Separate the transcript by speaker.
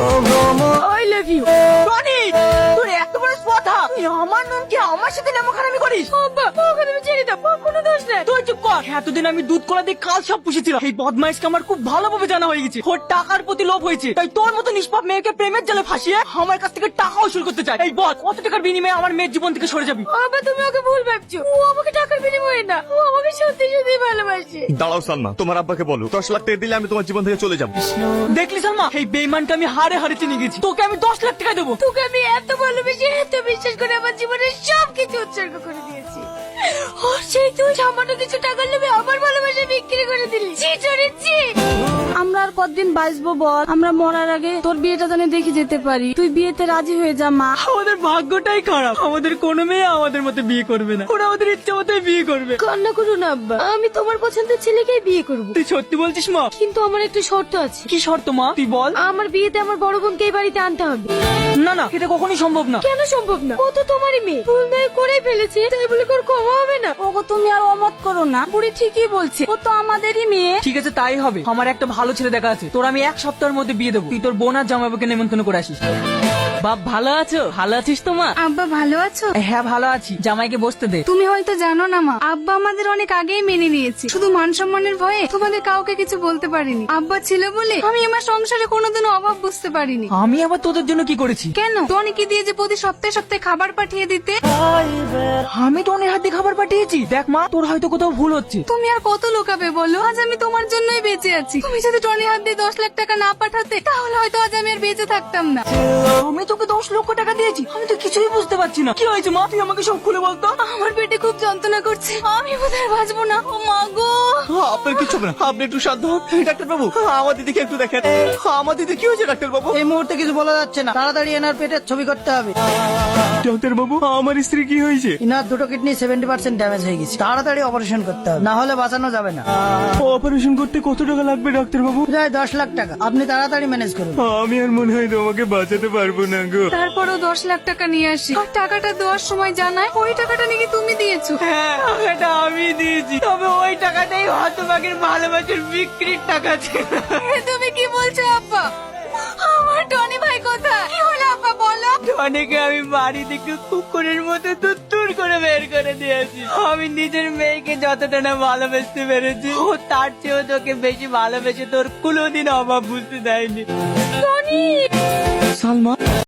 Speaker 1: I love you. Tony, তোর এত বড় কথা, তুই আমার নামকে আমার সাথে নামখানামি করিস? আব্বা, ওকে তুমি ছেড়ে দাও, ওর কোনো দোষ নেই। তুই চুপ কর। এতদিন আমি দুধ কলা দিয়ে কাল সব পুষেছিলাম। এই বদমাইশকে আমার খুব ভালোভাবে জানা হয়ে গেছে। ওর টাকার প্রতি লোভ হয়েছে, তাই তোর মতো নিষ্পাপ মেয়েকে প্রেমের জালে ফাঁসিয়ে আমার কাছ থেকে টাকা উসুল করতে চায়। এই বল, কত টাকার বিনিময়ে আমার মেয়ের জীবন থেকে সরে যাবি? আব্বা, তুমি ওকে ভুল ভাবছো। ও আমাকে টাকার বিনিময়ে না, ও আমাকে সত্যি সত্যি ভালোবাসে।
Speaker 2: দাঁড়াও সালমা, তোমার আব্বাকে বলো 10 লাখ টাকা দিলে আমি তোমার জীবন থেকে চলে যাবো।
Speaker 1: দেখলি সালমা, এই বেইমানকে আমি হারে হারে চিনে গেছি। তোকে আমি 10 লাখ টাকা দেবো। তোকে আমি এত ভালোবেসে, এত বিশ্বাস করে আমার জীবনের সবকিছু উৎসর্গ করে দিয়েছি। ও সেই তুই সামান্য কিছু টাকা নেবে আমার ভালোবাসা বিক্রি করে দিলি।
Speaker 3: আমরা আর কতদিন বাঁচবো বল? আমরা মরার আগে তোর বিয়েটা জানে দেখে যেতে পারি। তুই বিয়েতে রাজি হয়ে যা মা।
Speaker 1: আমাদের ভাগ্যটাই খারাপ, আমাদের কোনো মেয়ে আমাদের মতো বিয়ে করবে না। ওরা আমাদের ইচ্ছে মতোই বিয়ে করবে।
Speaker 3: কান্না করো না আব্বা, আমি তোমার পছন্দের ছেলেকেই বিয়ে করবো।
Speaker 1: তুই সত্যি বলছিস মা?
Speaker 3: কিন্তু আমার একটা শর্ত আছে।
Speaker 1: কি শর্ত মা, তুই বল।
Speaker 3: আমার বিয়েতে আমার বড় বোনকে এই বাড়িতে আনতে হবে।
Speaker 1: না না, এটা কখনোই সম্ভব না।
Speaker 3: কেন সম্ভব না? ও তো তোমারই মেয়ে, ভুল নয় করেই ফেলেছে, তাই বলে ওর ক্ষমা হবে না? ওগো তুমি আর অমত করো না, বুড়ি ঠিকই বলছে, ও তো আমাদেরই মেয়ে।
Speaker 1: ঠিক আছে, তাই হবে। আমার একটা ভালো ছেলে দেখা আছে, তোর আমি 1 সপ্তাহের মধ্যে বিয়ে দেবো। তুই তোর বোন আর জামাইবাবুকে নেমন্তন্ন করে আসিস। বাপ, ভালো আছো? ভালো আছিস তো মা?
Speaker 3: আব্বা ভালো আছো?
Speaker 1: হ্যাঁ ভালো আছি। জামাইকে বসতে দে।
Speaker 3: তুমি হয়তো জানো না মা, আব্বা আমাদের অনেক আগেই মেনে নিয়েছে। শুধু মান সম্মানের ভয়ে তোমাদের কাউকে কিছু বলতে পারিনি। আব্বা ছিল বলে আমি আমার সংসারে কোনোদিনও অভাব বুঝতে পারিনি।
Speaker 1: আমি আবার তোদের জন্য কি করেছি?
Speaker 3: কেন? টনিকে দিয়ে যে প্রতি সপ্তাহে সপ্তাহে খাবার পাঠিয়ে দিতে।
Speaker 1: আমি তো অনেক হাত দিয়ে খাবার পাঠিয়েছি। দেখ মা, তোর হয়তো কোথাও ভুল হচ্ছে।
Speaker 3: তুমি আর কত লোকাবে বলো? আজ আমি তোমার জন্যই বেঁচে আছি। তুমি যদি টনি হাত দিয়ে 10 লাখ টাকা না পাঠাতে, তাহলে হয়তো আজ আমি আর বেঁচে থাকতাম না।
Speaker 1: আমি তোকে 10 লক্ষ টাকা দিয়েছি, আমি তো কিছুই বুঝতে পারছি না। কি হয়েছে মা, তুই আমাকে সব খুলে বলতো।
Speaker 3: আমার পেটে খুব যন্ত্রণা করছে, আমি বোধহয় বাঁচবো না। ও মা গো।
Speaker 2: আপনার কিছু হবে না, আপনি একটু শান্ত হন। ডাক্তার বাবু, আমার দিদিকে একটু দেখেন। আমার দিদি কি হয়েছে ডাক্তার বাবু?
Speaker 4: এই মুহূর্তে কিছু বলা যাচ্ছে না, তাড়াতাড়ি এনার পেটের ছবি করতে হবে।
Speaker 2: ডাক্তার বাবু, আমার স্ত্রী কি হয়েছে?
Speaker 4: ইনার দুটো কিডনি 70% ড্যামেজ হয়ে গেছে, তাড়াতাড়ি অপারেশন করতে হবে, না হলে বাঁচানো যাবে না।
Speaker 2: অপারেশন করতে কত টাকা লাগবে ডাক্তার বাবু?
Speaker 4: প্রায় 10 লাখ টাকা, আপনি তাড়াতাড়ি ম্যানেজ করুন।
Speaker 2: আমি আর মনে হয় তোমাকে বাঁচাতে পারবো না গো।
Speaker 3: তারপরও 10 লাখ টাকা নিয়ে আসি, আর টাকাটা দেওয়ার সময় জানায় ওই টাকাটা নাকি তুমি দিয়েছো।
Speaker 1: হ্যাঁ, টাকাটা আমি দিয়েছি, তবে ওই টাকাটাই হতভাগের ভালোবাসার বিক্রির টাকা ছিল।
Speaker 3: তুমি কি বলছো আব্বা? আমার টনি ভাই কোথায়? কি হলো আব্বা বলো?
Speaker 1: অনেকে আমি বাড়ি থেকে কুকুরের মতো তুত্তুর করে বের করে দিয়েছি। আমি নিজের মেয়েকে যতটা না ভালোবাসতে পেরেছি, ও তার চেয়েও তোকে বেশি ভালোবেসে তোর কোনোদিন অভাব বুঝতে দেয়নি।
Speaker 3: টনি,
Speaker 2: সালমা,